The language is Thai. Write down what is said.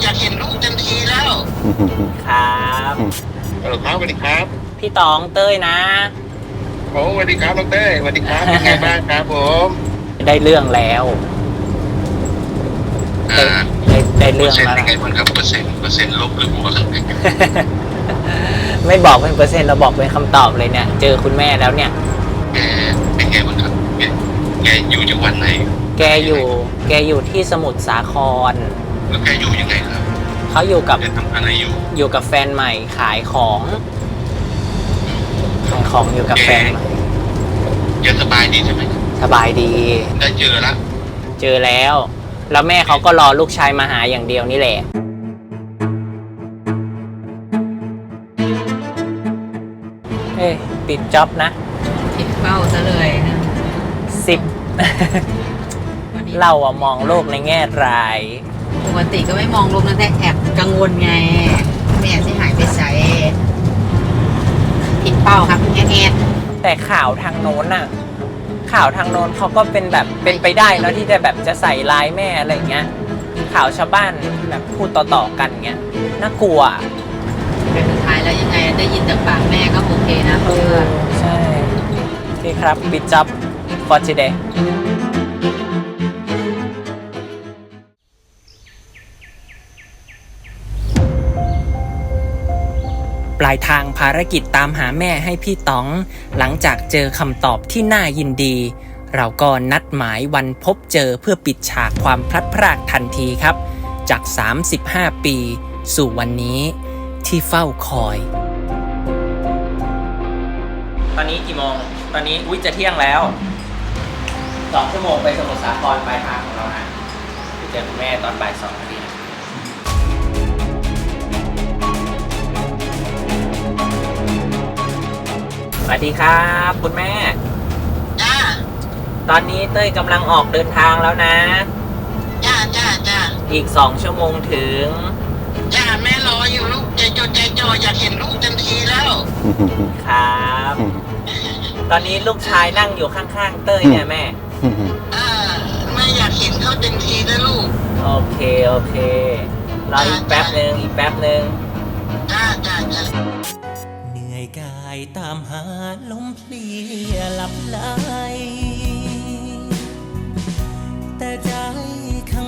อยากเห็นลูกทันทีแล้วครับครับสวัสดีครับพี่ตองเต้ยนะโอ้สวัสดีครับน้องเต้ยสวัสดีครับเป็นไงบ้างครับผมได้เรื่องแล้วได้เรื่องแล้วเป็นไงบ้างครับเปอร์เซ็นต์ลบหรือบวกไม่บอกเป็นเปอร์เซ็นต์เราบอกเป็นคำตอบเลยเนี่ยเจอคุณแม่แล้วเนี่ยแกเป็นไงบ้างครับแกอยู่จังหวัดไหนแกอยู่ที่สมุทรสาครแล้วแกอยู่ยังไงครับเขาอยู่กับทำอะไรอยู่กับแฟนใหม่ขายของอยู่กับแฟนใหม่ยังสบายดีใช่ไหมสบายดีได้เจอแล้วแล้วแม่เขาก็รอลูกชายมาหาอย่างเดียวนี่แหละเอ้ยปิดจ็อบนะปิดเป้าซะเลยนะ 10เราอะมองโลกในแง่ร้ายปกติก็ไม่มองลมนะแต่แอบกังวลไงแม่ที่หายไปใส่ผิดเป้าครับแง่แต่ข่าวทางโน้นอะข่าวทางโน้นเขาก็เป็นแบบเป็นไปได้แล้วที่จะแบบจะใส่ร้ายแม่อะไรเงี้ยข่าวชาวบ้านแบบพูดต่อๆกันเงี้ยน่ากลัวเป็นสุดท้ายแล้วยังไงได้ยินจากปากแม่ก็โอเคนะเพื่อนใช่โอเคครับปิดจ็อบ for todayปลายทางภารกิจตามหาแม่ให้พี่ต๋องหลังจากเจอคำตอบที่น่ายินดีเราก็นัดหมายวันพบเจอเพื่อปิดฉากความพลัดพรากทันทีครับจาก35ปีสู่วันนี้ที่เฝ้าคอยตอนนี้กี่โมงตอนนี้จะเที่ยงแล้ว2 ชั่วโมงไปสมุทรสาครปลายทางของเรานะไปเจอคุณแม่ตอนบ่าย 2 นาทีนะสวัสดีครับคุณแม่จ้าตอนนี้เต้ยกำลังออกเดินทางแล้วนะจ้าอีก2 ชั่วโมงถึงจ้าแม่รออยู่ลูกใจจออยากเห็นลูกทันทีแล้วครับตอนนี้ลูกชายนั่งอยู่ข้างๆเต้ยเนี่ยแม่แม่อยากเห็นเขาทันทีนะลูกโอเครออีกแป๊บนึงจ้าเหนื่อยกายตามหาลมเพลียหลับไหลแต่ใจข้าง